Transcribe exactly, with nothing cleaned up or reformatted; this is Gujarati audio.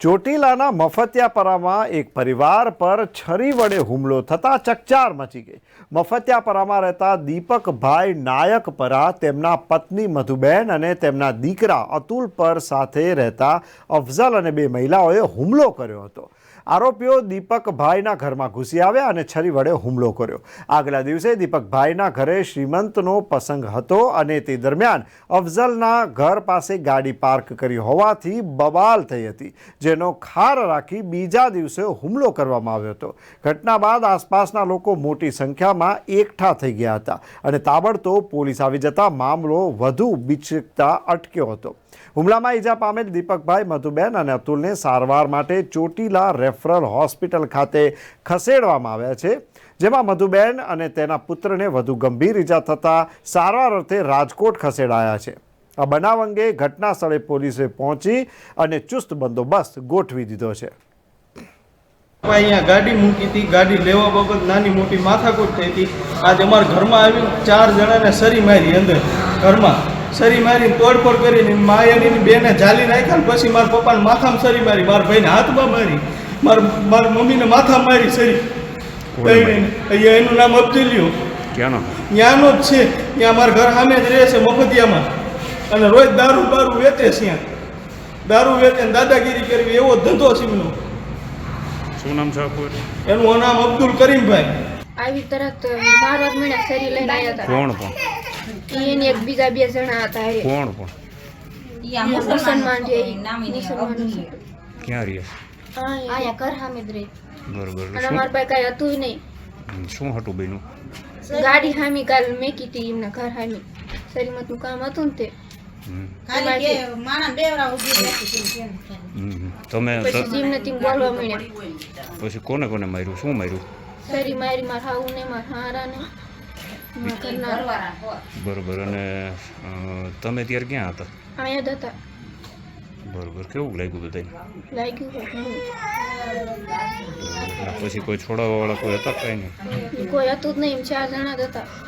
ચોટીલાના મફતિયાપરામાં એક પરિવાર પર છરી વડે હુમલો થતાં ચકચાર મચી ગઈ। મફતિયાપરામાં રહેતા દીપકભાઈ નાયકપરા તેમના પત્ની મધુબેન અને તેમના દીકરા અતુલ પર સાથે રહેતા અફઝલ અને બે મહિલાઓએ હુમલો કર્યો હતો। આરોપીઓ દીપકભાઈના ઘરમાં ઘૂસી આવ્યા અને છરી વડે હુમલો કર્યો। આગલા દિવસે દીપકભાઈના ઘરે શ્રીમંતનો પ્રસંગ હતો અને તે દરમિયાન અફઝલના ઘર પાસે ગાડી પાર્ક કરી હોવાથી બબાલ થઈ હતી, જેનો ખાર રાખી બીજા દિવસે હુમલો કરવામાં આવ્યો હતો। ઘટના બાદ આસપાસના લોકો મોટી સંખ્યામાં એકઠા થઈ ગયા હતા અને તાબડતોબ પોલીસ આવી જતા મામલો વધુ બીચકતા અટક્યો હતો। હુમલામાં ઈજા પામેલ દીપકભાઈ, મધુબેન અને અતુલને સારવાર માટે ચોટીલા રેફરલ હોસ્પિટલ ખાતે ખસેડવામાં આવ્યા છે, જેમાં મધુબેન અને તેના પુત્રને વધુ ગંભીર ઈજા થતાં સારવાર અર્થે રાજકોટ ખસેડાયા છે। આ બનાવ અંગે ઘટના સ્થળે પોલીસે પહોંચી અને ચુસ્ત બંદોબસ્ત ગોઠવી દીધો છે। અહીંયા ગાડી મૂકી હતી, ગાડી લેવા બાબત નાની મોટી માથાકૂટ થઈ હતી। આજે અમારા ઘરમાં આવી ચાર જણાને સરી મારી, અંદર ઘરમાં સરી મારીને તોડફોડ કરીને માયાની બેને ઝાલી નાખ્યા ને પછી મારા પપ્પાને માથામાં સરી મારી, મારા ભાઈને હાથમાં મારી, મારા મારા મમ્મીને માથામાં મારી સરી। અહીંયા એનું નામ અબ્દુલિયો, ક્યાંનો? ત્યાંનો જ છે, ત્યાં મારા ઘર સામે જ રહે છે મફતિયામાં, અને રોજ દારૂ બારૂ વેચે છે, ત્યાં દારૂ વેચે દાદાગીરી કરવી એવો ધંધો છે એમનો। શું નામ છે? એનું નામ અબ્દુલ કરીમભાઈ। આવી તરત મારવા મને સરી લઈને આવ્યા હતા। કોણ કોણ? એને એક બીજા બે જણા હતા। એ કોણ કોણ? મુસલમાન છે, મુસલમાન છે। ક્યાં રહે? આયા ઘર સામે જ રહે। બરોબર। અને અમારા પાસે કાંઈ હતું નહીં। શું હતું બેનું? ગાડી સામી કાલ મેકી હતી એમના ઘર સામી, સરીમતનું કામ હતું ને તે। તમે પછી જીમને તેમ બોલવા મળ્યા। પછી કોને કોને માર્યું? શું માર્યું? સરી મારી મારા હાઉને, મારા હારાને, મારા ઘરના। બરોબર। અને અ, તમે ત્યારે ક્યાં હતા? અહીંયા જ હતા। બરોબર। કેવું લાગ્યું બધાને? લાગ્યું ઘણું। પછી કોઈ છોડાવવા વાળા કોઈ હતા? કઈ નહીં? કોઈ હતું જ નહીં, ચાર જણા જ હતા।